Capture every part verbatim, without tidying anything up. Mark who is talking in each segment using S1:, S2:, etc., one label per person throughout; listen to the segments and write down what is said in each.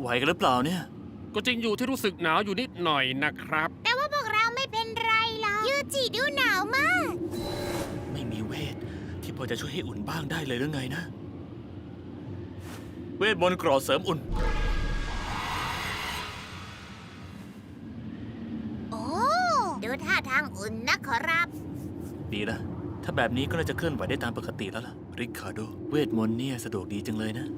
S1: ไหวกันหรือเปล่าเนี่ย
S2: ก็จริงอยู่ที่รู้สึกหนาวอยู่นิดหน่อยนะครับ
S3: แต่ว่าพวกเราไม่เป็นไรหรอกยูจิดูหนาวมาก
S1: ไม่มีเวทที่พอจะช่วยให้อุ่นบ้างได้เลยหรือไงนะเวทมนต์กรอเสริมอุ่น
S3: โอ้ดูท่าทางอุ่นนะขอรับ
S1: ดีละถ้าแบบนี้ก็น่าจะเคลื่อนไหวได้ตามปกติแล้วล่ะริคาร์โดเวทมนต์เนี่ยสะดวกดีจังเลยนะ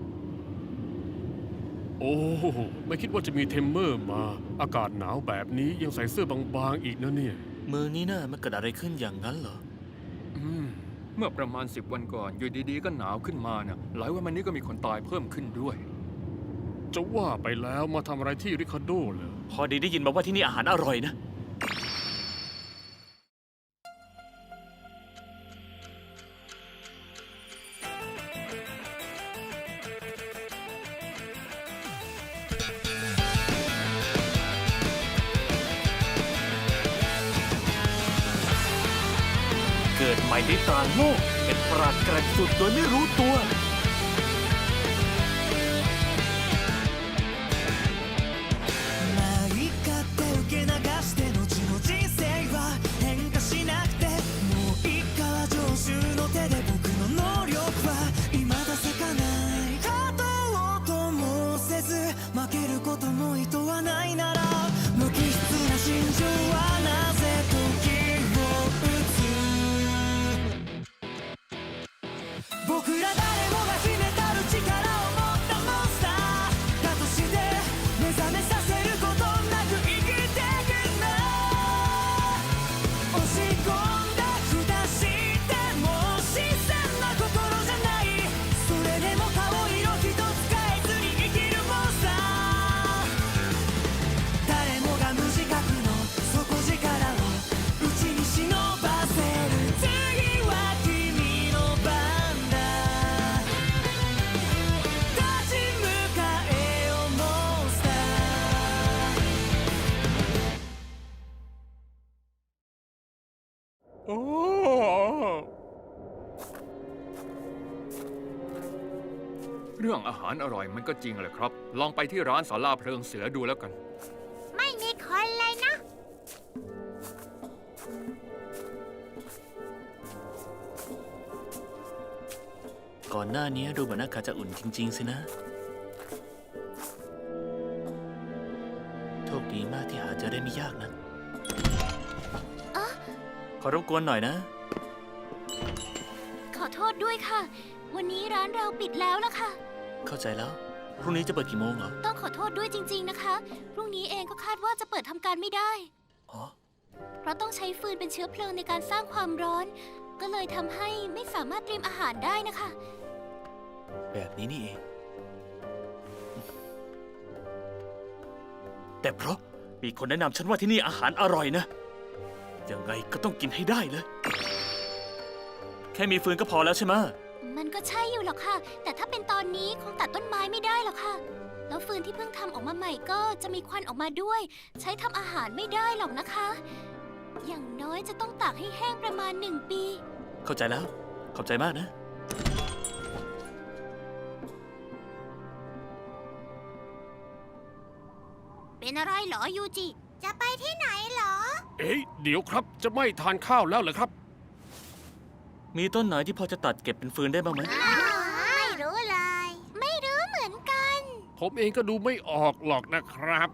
S2: โอ้ไม่คิดว่าจะมีเทมเมอร์มา อากาศหนาวแบบนี้ยังใส่เสื้อบางๆอีกนะเนี่ย
S1: มือนี้น่ะมันเกิดอะไรขึ้นอย่างนั้นเหรอ
S4: อืมเมื่อประมาณสิบวันก่อนอยู่ดีๆก็หนาวขึ้นมาน่ะหลายวันมานี้ก็มีคนตายเพิ่มขึ้นด้วย
S2: จะว่าไปแล้วมาทำอะไรที่ริคาร์โดเหรอ
S1: พอดีได้ยินมาว่าที่นี่อาหารอร่อยนะเกิดใหม่ในต่างโลกเป็นปราดแกร่งสุดโดยไม่รู้ตัว
S2: โอ้
S4: เรื่องอาหารอร่อยมันก็จริงแหละครับลองไปที่ร้านศาลาเพลิงเสือดูแล้วกัน
S3: ไม่มีคนเลยนะ
S1: ก่อนหน้านี้ดูเหมือนอากาศจะอุ่นจริงๆสินะโชคดีมากที่หาเจอได้ไม่ยากนะขอรบกวนหน่อยนะ
S3: ขอโทษด้วยค่ะวันนี้ร้านเราปิดแล้วล่ะค่ะ
S1: เข้าใจแล้วพรุ่งนี้จะเปิดกี่โมงเหรอ
S3: ต้องขอโทษด้วยจริงๆนะคะพรุ่งนี้เองก็คาดว่าจะเปิดทำการไม่ได้
S1: อ๋อ
S3: เพราะต้องใช้ฟืนเป็นเชื้อเพลิงในการสร้างความร้อนก็เลยทำให้ไม่สามารถเตรียมอาหารได้นะคะ
S1: แบบนี้นี่เองแต่เพราะมีคนแนะนำฉันว่าที่นี่อาหารอร่อยนะยังไงก็ต้องกินให้ได้เลยแค่มีฟืนก็พอแล้วใช่ไหม
S3: มันก็ใช่อยู่หรอกค่ะแต่ถ้าเป็นตอนนี้คงตัดต้นไม้ไม่ได้หรอกค่ะแล้วฟืนที่เพิ่งทำออกมาใหม่ก็จะมีควันออกมาด้วยใช้ทำอาหารไม่ได้หรอกนะคะอย่างน้อยจะต้องตากให้แห้งประมาณหนึ่งปี
S1: เข้าใจแล้วขอบใจมากนะ
S3: เป็นอะไรเหรอยูจิจะไปที่ไหนเหรอ
S2: เอ๊ะเดี๋ยวครับจะไม่ทานข้าวแล้วเหรอครับ
S1: มีต้นไหนที่พอจะตัดเก็บเป็นฟืนได้บ้างไหม
S3: ไม่รู้เลยไม่รู้เหมือนกัน
S2: ผมเองก็ดูไม่ออกหรอกนะครับ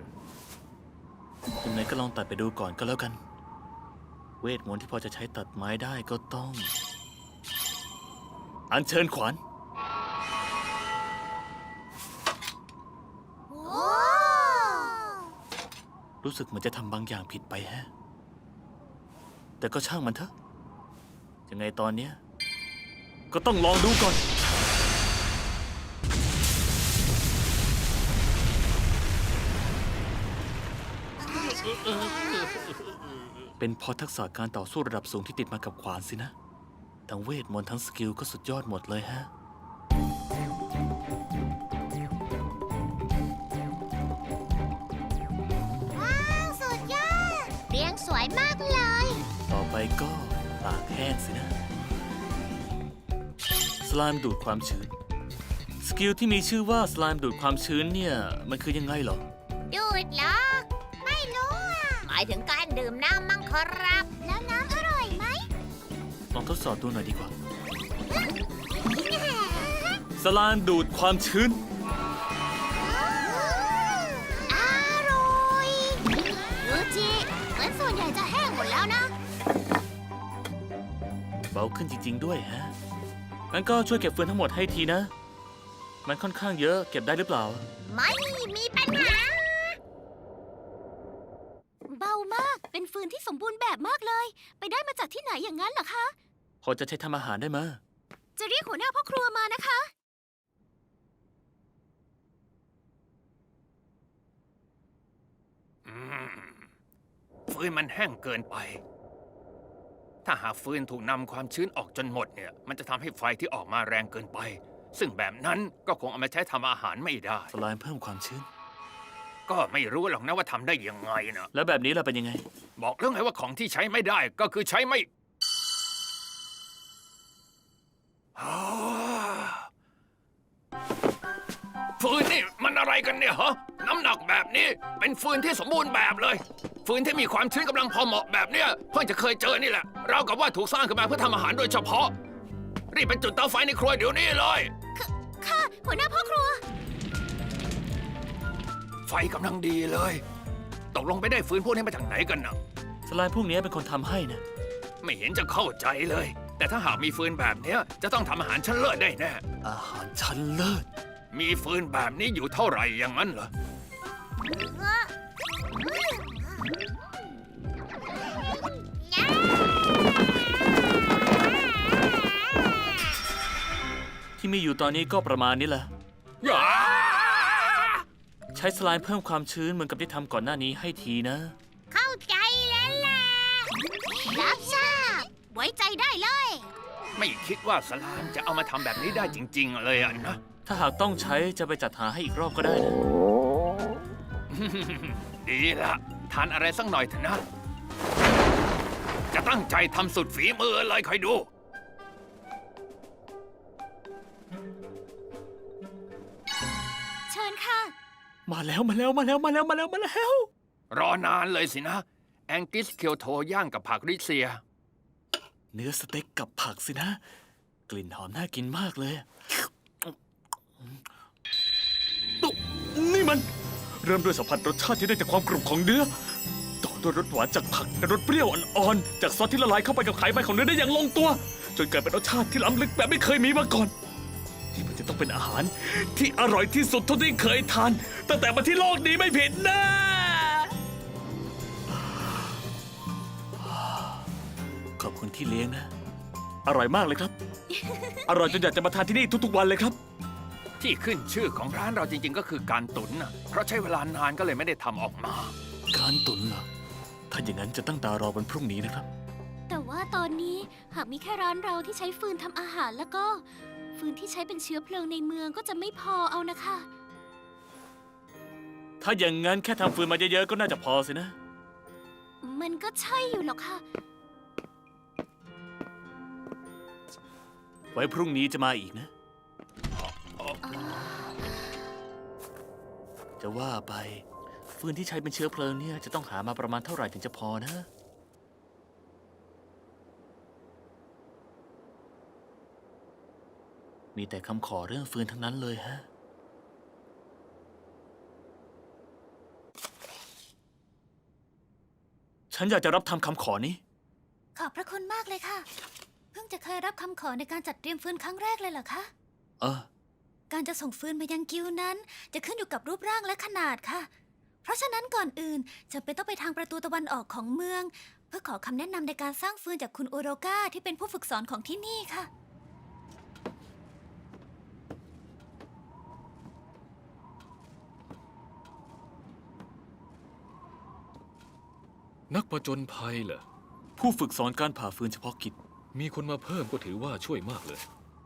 S1: ยังไงก็ลองตัดไปดูก่อนก็แล้วกันเวทมนต์ที่พอจะใช้ตัดไม้ได้ก็ต้องอัญเชิญขวานรู้สึกเหมือนจะทำบางอย่างผิดไปแฮะแต่ก็ช่างมันเถอะยังไงตอนนี้ก็ต้องลองดูก่อนเป็นเพราะทักษะการต่อสู้ระดับสูงที่ติดมากับขวานสินะทั้งเวทมนต์ทั้งสกิลก็สุดยอดหมดเลยฮะ
S3: สวยมากเลย
S1: ต่อไปก็ตากแห้งสินะสไลม์ดูดความชื้นสสกิลที่มีชื่อว่าสไลม์ดูดความชื้นเนี่ย มันคือยังไงเหรอ
S3: ดูดเหรอ ไม่รู้อ่ะ หมายถึงการดื่มน้ำมั้งครับ แล้วน้ำอร่อยไหม
S1: ลองทดสอบดูหน่อยดีกว่า สไลม์ดูดความชื้น
S3: อร่อยยูจิเหมือนส่วนใหญ่จะแห้งหมดแล้วนะ
S1: เบาขึ้นจริง ๆ ด้วยฮะ งั้นก็ช่วยเก็บฟืนทั้งหมดให้ทีนะ มันค่อนข้างเยอะ เก็บได้หรือเปล่า
S3: ไม่มีปัญหา เบามาก เป็นฟืนที่สมบูรณ์แบบมากเลย ไปได้มาจากที่ไหนอย่างนั้นเหรอคะ
S1: พอจะใช้ทำอาหารได้ไหม
S3: จะเรียกหัวหน้าพ่อครัวมานะคะ
S4: อืมฟืนมันแห้งเกินไป ถ้าหากฟืนถูกนำความชื้นออกจนหมดเนี่ย มันจะทำให้ไฟที่ออกมาแรงเกินไป ซึ่งแบบนั้นก็คงเอามาใช้ทำอาหารไม่ได้
S1: สไลม์เพิ่มความชื้น
S4: ก็ไม่รู้หรอกนะว่าทำได้ยังไงนะ
S1: แล้วแบบนี้เราเป็นยังไง
S4: บอกเรื่องไงว่าของที่ใช้ไม่ได้ก็คือใช้ไม่อ่าฟืนนี่มันอะไรกันเนี่ยฮะ น้ำหนักแบบนี้เป็นฟืนที่สมบูรณ์แบบเลย ฟืนที่มีความชื้นกำลังพอเหมาะแบบเนี้ยเพิ่งจะเคยเจอนี่แหละเราวกับว่าถูกสร้างขึ้นมาเพื่อทำอาหารโดยเฉพาะ รีบไปจุดเตาไฟในครัวเดี๋ยวนี้เลย
S3: ค่ะ หัวหน้าพ่อครัว
S4: ไฟกำลังดีเลย ตกลงไปได้ฟืนพวกนี้มาจากไหนกันนะ
S1: สไลม์พวกนี้เป็นคนทำให้นะ
S4: ไม่เห็นจะเข้าใจเลย แต่ถ้าหากมีฟืนแบบเนี้ยจะต้องทำอาหารชั้นเลิศได้แน่
S1: อาหารชั้นเลิศ
S4: มีฟืนแบบนี้อยู่เท่าไหร่อย่างนั้นเหรอ
S1: ที่มีอยู่ตอนนี้ก็ประมาณนี้แหละ
S4: อย่า
S1: ใช้สไลม์เพิ่มความชื้นเหมือนกับที่ทำก่อนหน้านี้ให้ทีนะ
S3: เข้าใจแล้วล่ะ รับทราบ ไว้ใจได้เลย
S4: ไม่คิดว่าสลามจะเอามาทำแบบนี้ได้จริง ๆ เลยอะนะ
S1: ถ้าหากต้องใช้จะไปจัดหาให้อีกรอบก็ได้นะ
S4: ดีละทานอะไรสักหน่อยเถอะนะ จะตั้งใจทำสุดฝีมือเลยคอยดู
S3: เชิญค่ะ
S1: มาแล้วมาแล้วมาแล้วมาแล้วมาแล้วมาแล้ว
S4: รอนานเลยสินะ แองกิสเคียวโทย่างกับผักริเซีย
S1: เนื้อสเต็กกับผักสินะ กลิ่นหอมน่ากินมากเลยตุ๊นี่มัน เริ่มด้วยสัมผัสรสชาติที่ได้จากความกรุบของเนื้อ ต่อด้วยรสหวานจากผักและรสเปรี้ยวอ่อนๆจากซอสที่ละลายเข้าไปกับไขมันของเนื้อได้อย่างลงตัว จนเกิดเป็นรสชาติที่ล้ำลึกแบบไม่เคยมีมาก่อน ที่มันจะต้องเป็นอาหารที่อร่อยที่สุดเท่าที่เคยทานตั้งแต่มาที่โลกนี้ไม่ผิดนะ ขอบคุณที่เลี้ยงนะ อร่อยมากเลยครับ อร่อยจนอยากจะมาทานที่นี่ทุกๆวันเลยครับ
S4: ที่ขึ้นชื่อของร้านเราจริง ๆ ก็คือการตุ๋นนะเพราะใช้เวลานานก็เลยไม่ได้ทำออกมา
S1: การตุนเหรอ ถ้าอย่างนั้นจะตั้งตารอวันพรุ่งนี้นะครับ
S3: แต่ว่าตอนนี้หากมีแค่ร้านเราที่ใช้ฟืนทำอาหารแล้วก็ ฟืนที่ใช้เป็นเชื้อเพลิงในเมืองก็จะไม่พอเอานะคะ
S1: ถ้าอย่างนั้นแค่ทำฟืนมาเยอะๆก็น่าจะพอสินะ
S3: มันก็ใช่อยู่หรอกค่ะ
S1: ไว้พรุ่งนี้จะมาอีกนะ จะว่าไป ฟืนที่ใช้เป็นเชื้อเพลิงเนี่ยจะต้องหามาประมาณเท่าไหร่ถึงจะพอนะ มีแต่คำขอเรื่องฟืนทั้งนั้นเลยฮะ ฉันอยากจะรับทำคำขอนี้
S3: ขอบพระคุณมากเลยค่ะ เพิ่งจะเคยรับคำขอในการจัดเตรียมฟืนครั้งแรกเลยเหรอคะ
S1: เออ
S3: การจะส่งฟืนมายังกิวนั้น จะขึ้นอยู่กับรูปร่างและขนาดค่ะ เพราะฉะนั้นก่อนอื่นจะเป็นต้องไปทางประตูตะวันออกของเมือง เพื่อขอคำแนะนำในการสร้างฟืนจากคุณโอโรกาที่เป็นผู้ฝึกสอนของที่นี่ค่ะ
S5: นักผจญภัยเหรอ
S1: ผู้ฝึกสอนการผ่าฟืนเฉพาะกิจ
S5: มีคนมาเพิ่มก็ถือว่าช่วยมากเลย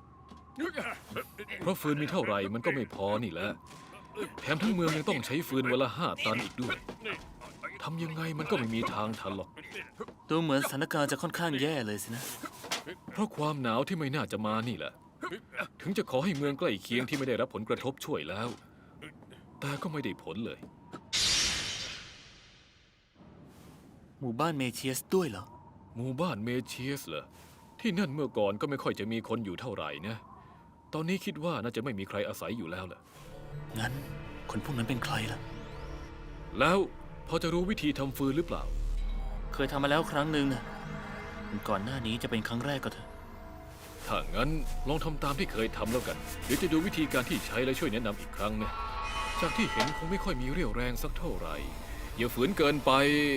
S5: เพราะฟืนมีเท่าไหร่มันก็ไม่พอนี่แหละ แถมทั้งเมืองยังต้องใช้ฟืนวันละห้าตันอีกด้วย ทำยังไงมันก็ไม่มีทางทันหรอก
S1: ดูเหมือนสถานการณ์จะค่อนข้างแย่เลยสินะ
S5: เพราะความหนาวที่ไม่น่าจะมานี่แหละถึงจะขอให้เมืองใกล้เคียงที่ไม่ได้รับผลกระทบช่วยแล้ว แต่ก็ไม่ได้ผลเลย
S6: หมู่บ้านเมเชียสด้วยเหรอ
S5: หมู่บ้านเมเชียสเหรอ ที่นั่นเมื่อก่อนก็ไม่ค่อยจะมีคนอยู่เท่าไหร่นะ ตอนนี้คิดว่าน่าจะไม่มีใครอาศัยอยู่แล้วล่ะ
S6: งั้น คนพวกนั้นเป็นใครล่ะ
S5: แล้วพอจะรู้วิธีทำฟืนหรือเปล่า
S6: เคยทำมาแล้วครั้งหนึ่งนะก่อนหน้านี้จะเป็นครั้งแรกก็เถอะ
S5: ถ้างั้นลองทำตามที่เคยทำแล้วกันเดี๋ยวจะดูวิธีการที่ใช้และช่วยแนะนำอีกครั้งนะ จากที่เห็นคงไม่ค่อยมีเรี่ยวแรงสักเท่าไหร่ อย่าฝืนเกินไป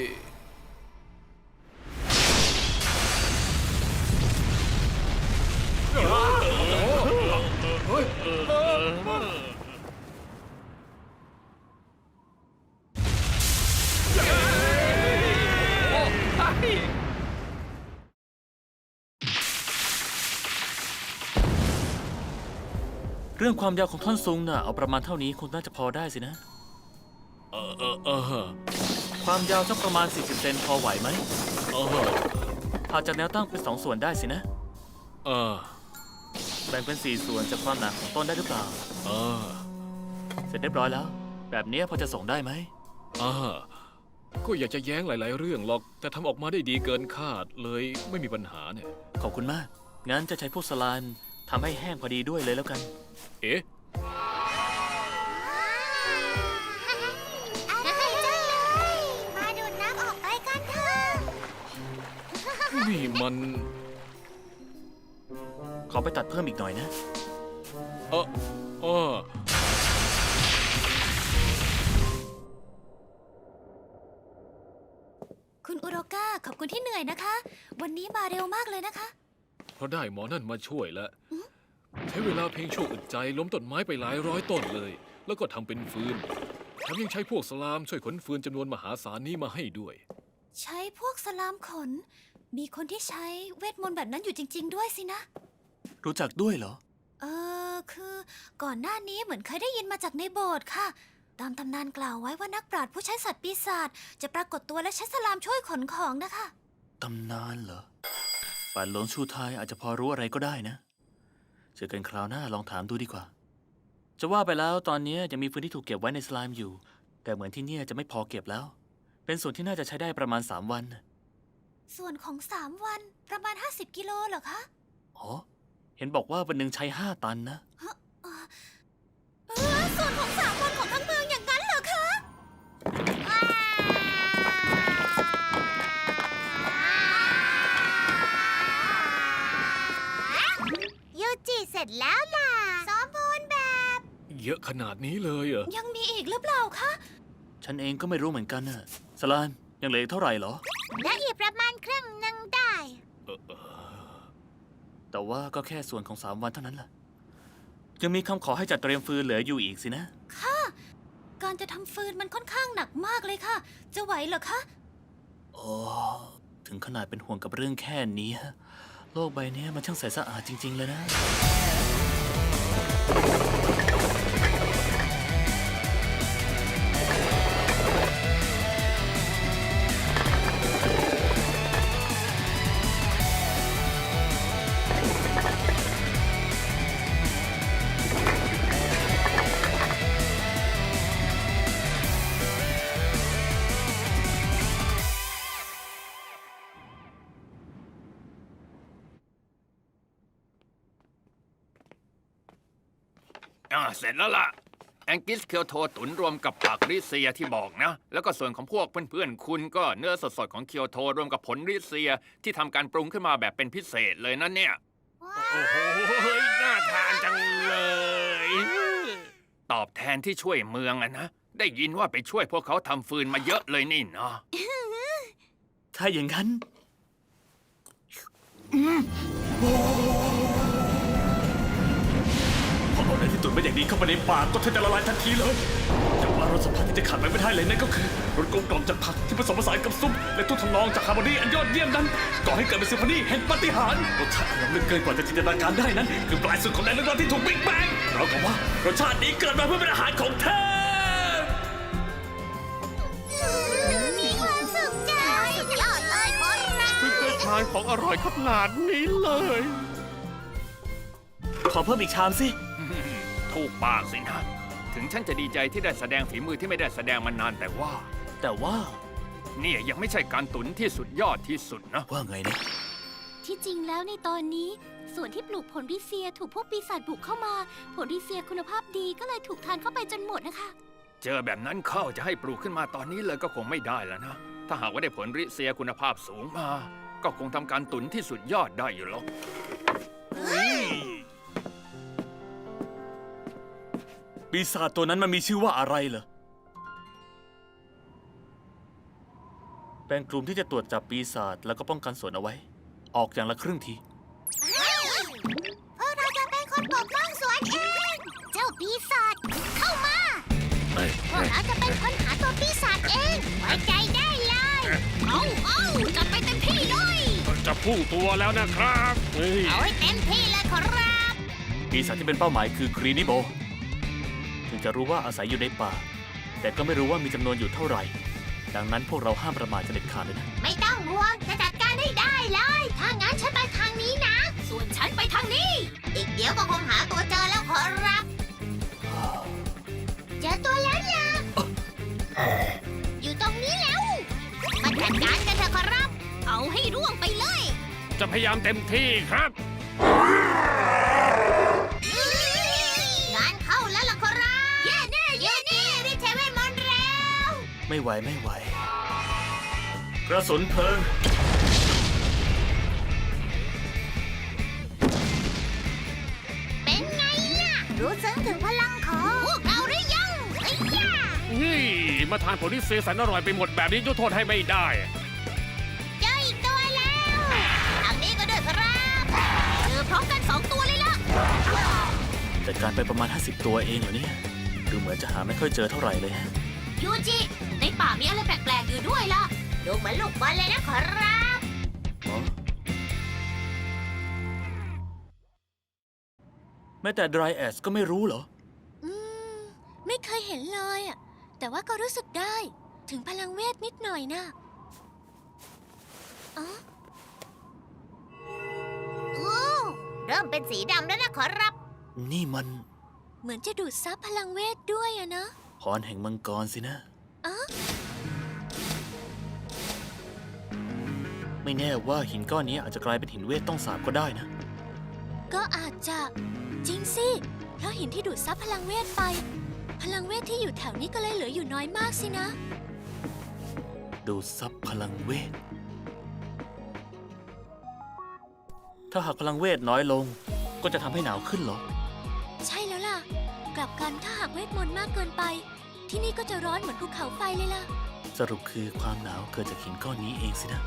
S6: เรื่องความยาวของท่อนซุงน่ะเอาประมาณเท่านี้คงน่าจะพอได้สินะ
S5: เออเออเออ
S6: ความยาวสักประมาณ สี่สิบ เซนพอไหวไหม
S5: เออ
S6: ผ่าจากแนวตั้งเป็นสองส่วนได้สินะ
S5: เออ
S6: แบ่งเป็นสี่ส่วนจากความหนาของต้นได้หรือเปล่า
S5: เออ
S6: เสร็จเรียบร้อยแล้ว แบบนี้พอจะส่งได้ไหม
S5: อ่าก็อยากจะแย้งหลาย ๆ เรื่องหรอก แต่ทำออกมาได้ดีเกินคาดเลยไม่มีปัญหาเนี่ย
S6: ขอบคุณมาก งั้นจะใช้พวกสลานทำให้แห้งพอดีด้วยเลยแล้วกัน
S5: เอ๊ะ
S3: อะไรจังเลย มาดูดน้ำออกไปกันเถอะ
S5: นี่มัน
S6: ขอไปตัดเพิ่มอีกหน่อยนะ
S5: เออเออ
S3: คุณอุโรก้าขอบคุณที่เหนื่อยนะคะ วันนี้มาเร็วมากเลยนะคะ
S5: เพราะได้หมอนั่นมาช่วยแล้ว ใช้เวลาเพียงชั่วอึดใจล้มต้นไม้ไปหลายร้อยต้นเลย แล้วก็ทำเป็นฟืนแถมยังใช้พวกสลามช่วยขนฟืนจำนวนมหาศาลนี้มาให้ด้วย
S3: ใช้พวกสลามขน มีคนที่ใช้เวทมนต์แบบนั้นอยู่จริง ๆ ด้วยสินะ
S6: รู้จักด้วยเหรอ
S3: เออคือก่อนหน้านี้เหมือนเคยได้ยินมาจากในโบสถ์ค่ะ ตามตำนานกล่าวไว้ว่านักปราชญ์ผู้ใช้สัตว์ปีศาจจะปรากฏตัวและใช้สลามช่วยขนของนะคะ
S6: ตำนานเหรอป่านหลวงชูไทยอาจจะพอรู้อะไรก็ได้นะ เจอกันคราวหน้าลองถามดูดีกว่า จะว่าไปแล้วตอนนี้ยังมีพื้นที่ถูกเก็บไว้ในสไลม์อยู่ แต่เหมือนที่เนี่ยจะไม่พอเก็บแล้ว เป็นส่วนที่น่าจะใช้ได้ประมาณ สาม วัน
S3: ส่วนของสามวันประมาณ ห้าสิบ กิโลเหรอคะ
S6: อ๋อ เห็นบอกว่าวันหนึ่งใช้ ห้า ตันนะ
S3: เออส่วนของสามวันของทั้งเมืองอย่างนั้นเหรอคะ ยูจิเสร็จแล้วล่ะสมบูรณ์แบบ
S5: เยอะขนาดนี้เลยเหรอ
S3: ยังมีอีกหรือเปล่าคะ
S6: ฉันเองก็ไม่รู้เหมือนกันน่ะสลานยังเหลืออกเท่าไหร่เหรอ
S3: และอีกประมาณครึ่งหนึ่งได้
S5: เออเออ
S6: แต่ว่าก็แค่ส่วนของ สาม วันเท่านั้นแหละยังมีคำขอให้จัดเตรียมฟืนเหลืออยู่อีกสินะ
S3: ค่ะ การจะทำฟืนมันค่อนข้างหนักมากเลยค่ะ จะไหวเหรอคะ
S6: โอ้ถึงขนาดเป็นห่วงกับเรื่องแค่นี้ฮะโลกใบนี้มันช่างใสสะอาดจริง ๆ เลยนะ
S4: อ่าเสร็จแล้วล่ะ แองกิสเคียวโทตุนรวมกับผักริเซียที่บอกนะ แล้วก็ส่วนของพวกเพื่อนๆคุณก็เนื้อสดๆของเคียวโทรวมกับผลริเซียที่ทำการปรุงขึ้นมาแบบเป็นพิเศษเลยนั่นเนี่ย
S2: โอ้โหน่าทานจังเลย
S4: ตอบแทนที่ช่วยเมืองอะนะ ได้ยินว่าไปช่วยพวกเขาทำฟืนมาเยอะเลยนี่เนาะ
S6: ถ้าอย่างนั้น
S1: พอเอาเนื้อที่ตุ๋นมาอย่างดีเข้าไปในปากก็แทบจะละลายทันทีเลยแต่ว่ารสสัมผัสที่จะขาดไปไม่ได้เลยนั่นก็คือรสกลมกล่อมจากผักที่ผสมผสานกับซุปและทุกทำนองจากฮาร์โมนีอันยอดเยี่ยมนั้นก่อให้เกิดเป็นซิมโฟนีแห่งปาฏิหาริย์รสชาติอันล้ำลึกเกินกว่าจะจินตนาการได้นั้นคือปลายสุดของแดนเรื่องราวที่ถูกบิ๊กแบงเรากับว่ารสชาตินี้เกิดมาเพื่อเป็นอาหารของเธอ
S3: มีความสุขใจสุดยอดเลยคนเรา
S2: เพิ่งเคยทานของอร่อยขนาดนี้เลย
S6: ขอเพิ่มอีกชามสิ
S4: ถูกปากสินะ ถึงฉันจะดีใจที่ได้แสดงฝีมือที่ไม่ได้แสดงมานานแต่ว่า
S6: แต่ว่า
S4: เนี่ยยังไม่ใช่การตุนที่สุดยอดที่สุดนะ
S6: ว่าไงนะ
S3: ที่จริงแล้วในตอนนี้ส่วนที่ปลูกผลริเซียถูกพวกปีศาจบุกเข้ามา ผลริเซียคุณภาพดีก็เลยถูกทานเข้าไปจนหมดนะคะ
S4: เจอแบบนั้นเข้าจะให้ปลูกขึ้นมาตอนนี้เลยก็คงไม่ได้แล้วนะ ถ้าหากว่าได้ผลริเซียคุณภาพสูงมา ก็คงทำการตุนที่สุดยอดได้อยู่หรอก
S6: ปีศาจตัวนั้นมันมีชื่อว่าอะไรเหรอ เป็นกลุ่มที่จะตรวจจับปีศาจแล้วก็ป้องกันสวนเอาไว้ ออกอย่างละครึ่งที
S3: พวกเราจะเป็นคนปกป้องสวนเอง เจ้าปีศาจเข้ามา พวกเราจะเป็นคนหาตัวปีศาจเองไว้ใจได้เลย เอาเอาจัดไปเต็มที่เลย
S2: จะพุ่งตัวแล้วนะครับเฮ้ย
S3: เอาให้เต็มที่เลยขอรับ
S6: ปีศาจที่เป็นเป้าหมายคือกรีนิโบ ถึงจะรู้ว่าอาศัยอยู่ในป่า แต่ก็ไม่รู้ว่ามีจำนวนอยู่เท่าไหร่ ดังนั้นพวกเราห้ามประมาทจะเด็ดขาดเลยนะ
S3: ไม่ต้องห่วงจะจัดการให้ได้เลย ถ้างั้นฉันไปทางนี้นะ ส่วนฉันไปทางนี้ อีกเดี๋ยวก็คงหาตัวเจอแล้วขอรับ เจอตัวแล้วล่ะ อยู่ตรงนี้แล้ว มาจัดการกันเถอะขอรับ เอาให้ร่วงไปเลย
S2: จะพยายามเต็มที่ครับ
S3: งานเข้าแล้วล่ะขอรับเย่แน่เย่แน่รีบใช้เวทมนต์แล้ว
S6: ไม่ไหวไม่ไหว กระสุนเพลิง
S3: เป็นไงล่ะ รู้ซึ้งถึงพลังของพวกเราหรือยังไอ้ย่า
S2: นี่มาทานผลที่เซสันอร่อยไปหมดแบบนี้ยกโทษให้ไม่ได้
S3: เจออีกตัวแล้วทางนี้ก็ด้วยครับเจอพร้อมกันสองตัวเลยล่ะ
S6: จัดการไปประมาณ ห้าสิบ ตัวเองเหรอเนี่ย ดูเหมือนจะหาไม่ค่อยเจอเท่าไหร่เลยฮะ
S3: ยูจิ ในป่ามีอะไรแปลกๆอยู่ด้วยล่ะ ดูเหมือนลูกบอลเลยนะขอรับ
S6: อ๋อแม้แต่ Dry Ash ก็ไม่รู้เหรอ
S3: อืม ไม่เคยเห็นเลยอ่ะ แต่ว่าก็รู้สึกได้ ถึงพลังเวทนิดหน่อยนะอ๋อโอ้เริ่มเป็นสีดำแล้วนะขอรับ
S6: นี่มัน
S3: เหมือนจะดูดซับพลังเวทด้วยอะนะ
S6: พรแห่งมังกรสินะ
S3: อ๋อ
S6: ไม่แน่ว่าหินก้อนนี้อาจจะกลายเป็นหินเวทต้องสาบก็ได้นะ
S3: ก็อาจจะจริงสิ เพราะหินที่ดูดซับพลังเวทไป พลังเวทที่อยู่แถวนี้ก็เลยเหลืออยู่น้อยมากสินะ
S6: ดูดซับพลังเวท ถ้าหากพลังเวทน้อยลง ก็จะทำให้หนาวขึ้นเหรอ
S3: ใช่แล้วล่ะ กลับกันถ้าหากเวทมนต์มากเกินไป ที่นี่ก็จะร้อนเหมือนภูเขาไฟเลยล่ะ
S6: สรุปคือความหนาวเกิดจากหินก้อนนี้เองสินะ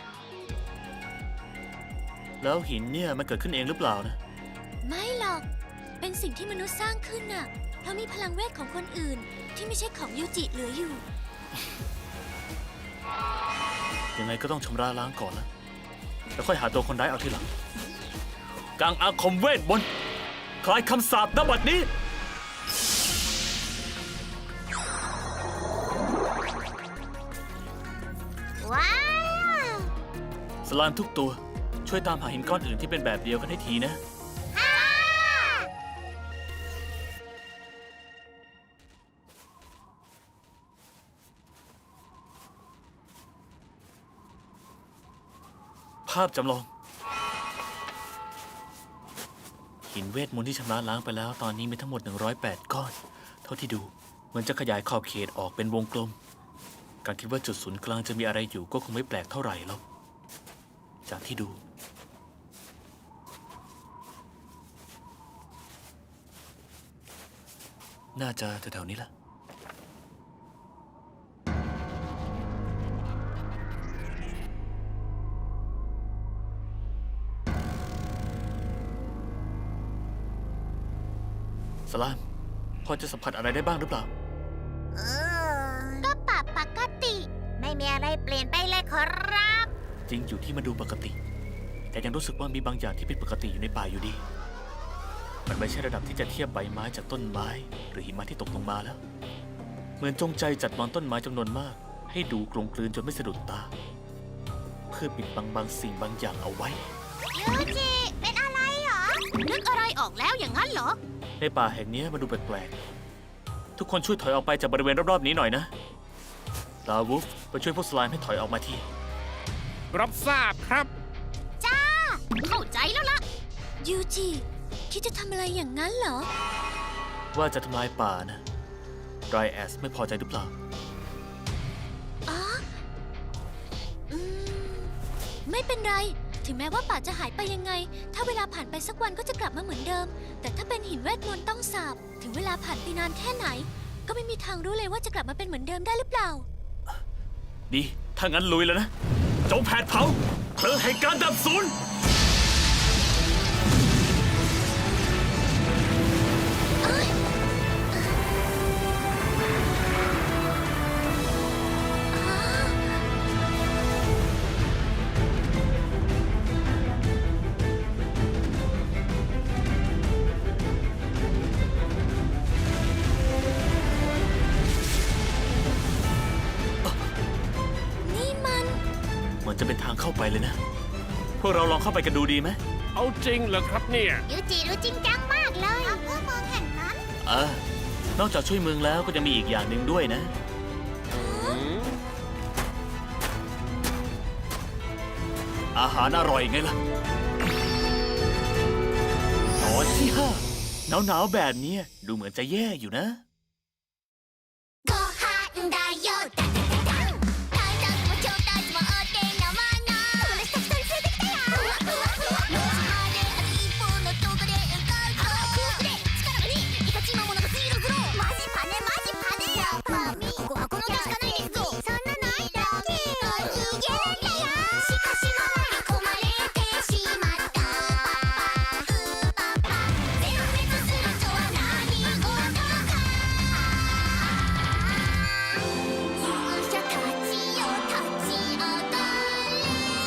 S6: แล้วหินเนี่ยมันเกิดขึ้นเองหรือเปล่านะ
S3: ไม่หรอก เป็นสิ่งที่มนุษย์สร้างขึ้นน่ะ เพราะมีพลังเวทของคนอื่น ที่ไม่ใช่ของยูจิเหลืออยู่
S6: ยังไงก็ต้องชำระล้างก่อนนะแล้วค่อยหาตัวคนร้ายเอาทีหลังกางอาคมเวทมนต์คลายคำสาปณบัดนี้
S3: ว้าว
S6: สลามทุกตัว ช่วยตามหาหินก้อนอื่นที่เป็นแบบเดียวกันให้ทีนะ ภาพจำลอง หินเวทมนต์ที่ชำระล้างไปแล้วตอนนี้มีทั้งหมด หนึ่งร้อยแปด ก้อน เท่าที่ดูเหมือนจะขยายขอบเขตออกเป็นวงกลม การคิดว่าจุดศูนย์กลางจะมีอะไรอยู่ก็คงไม่แปลกเท่าไหร่หรอกจากที่ดู น่าจะแถวๆนี้แหละ สลาม พอจะสัมผัสอะไรได้บ้างหรือเปล่า
S3: ก็ปรับปกติ ไม่มีอะไรเปลี่ยนไปเลยขอรับ
S6: จริงอยู่ที่มันดูปกติ แต่ยังรู้สึกว่ามีบางอย่างที่ผิดปกติอยู่ในป่าอยู่ดี มันไม่ใช่ระดับที่จะเทียบใบไม้จากต้นไม้ หรือหิมะที่ตกลงมาแล้ว เหมือนจงใจจัดวางต้นไม้จำนวนมาก ให้ดูกลมกลืนจนไม่สะดุดตา เพื่อปิดบังบางสิ่งบางอย่างเอาไว้
S3: ยูจิ เป็นอะไรเหรอนึกอะไรออกแล้วอย่างนั้นเหรอ
S6: ในป่าแห่งนี้มันดูแปลกๆ ทุกคนช่วยถอยออกไปจากบริเวณรอบๆนี้หน่อยนะลาวูฟไปช่วยพวกสไลม์ให้ถอยออกมาที
S2: รับทราบครับ
S3: จ้า เข้าใจแล้วล่ะ ยูจิ คิดจะทำอะไรอย่างนั้นเหรอ
S6: ว่าจะทำลายป่านะไรแอสไม่พอใจหรือเปล่า
S3: อ๋อ อืม ไม่เป็นไร ถึงแม้ว่าป่าจะหายไปยังไง ถ้าเวลาผ่านไปสักวันก็จะกลับมาเหมือนเดิม แต่ถ้าเป็นหินเวทมนต์ต้องสาบ ถึงเวลาผ่านไปนานแค่ไหน ก็ไม่มีทางรู้เลยว่าจะกลับมาเป็นเหมือนเดิมได้หรือเปล่า
S6: ดี ถ้างั้นลุยแล้วนะ จงแผดเผาเพลิงแห่งการดับสูญ
S3: นี่มัน
S6: เหมือนจะเป็นทางเข้าไปเลยนะ พวกเราลองเข้าไปกันดูดีไหม
S2: เอาจริงเหรอครับเนี่ย
S3: ยูจิรู้จริงจังมากเลยเพื่อมองเห็นนั้น
S6: เออ นอกจากช่วยเมืองแล้วก็จะมีอีกอย่างหนึ่งด้วยนะ อาหารอร่อยไงล่ะ ตอนที่ห้าหนาวๆแบบนี้ดูเหมือนจะแย่อยู่นะ
S3: ご飯だよダダダダンタイタスも超タスもお手のもの友達たくさん連れてきたよふわふわふわ路地まであと一歩のとこで向かうと空腹で力がにイカチ魔物がジーロズローマジパネマジパネよマミここはこの手しかないですぞそんなのあったっけ逃げるんだよしかしも巻き込まれてしまったウーパパ全滅するとは何事か勇者たちよ立ち上がれ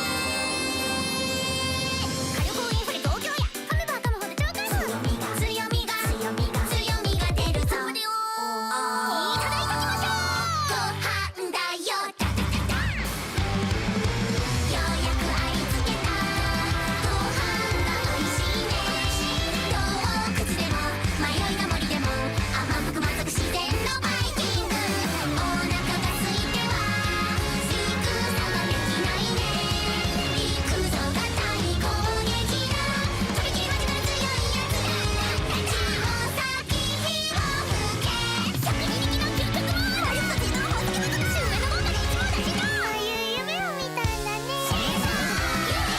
S3: 火力インフレ東京や噛めば噛むほど超回復強みが強みが強みが出るぞいただいてきましょうご飯だよダダダダようやくありつけたご飯がおいしいね洞窟でも迷いの森でも甘く満足自然のバイキングお腹が空いては戦ができないね行くぞが大攻撃だとびきり間近の強いやつだ立ちを先火を吹け百人力の究極もあると自動宝石の特殊上のもんだが一網打尽だそういう夢を見たんだねシェーザーユニ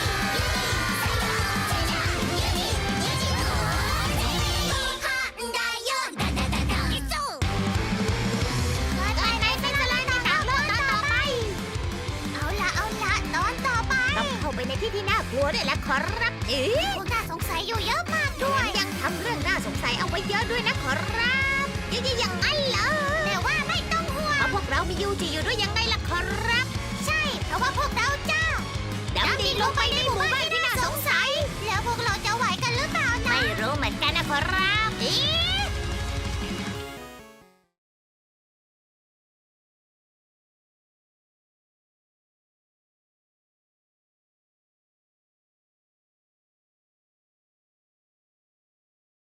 S3: ユニユニユニユニユニご飯だよダダダダいっそว่าไงนายเป็นอะไรในหนังเรื่องตอนต่อไป เอาละเอาละตอนต่อไป ต้องเข้าไปในที่ที่น่ากลัวด้วยแหละขอรับเอ๊ะพวกน่าสงสัยอยู่เยอะมากด้วยยังทำเรื่องน่าสงสัยเอาไว้เยอะด้วยนะขอรับยังอย่างนั้นเหรอแต่ว่าไม่ต้องห่วงเพราะพวกเรามียูจิอยู่ด้วยยังไงล่ะขอรับ ใช่ เพราะว่าพวกเราจ้าดำดิ่งลงไปในหมู่บ้านที่น่าสงสัย แล้วพวกเราจะไหวกันหรือเปล่านะไม่รู้เหมือนกันนะขอรับอี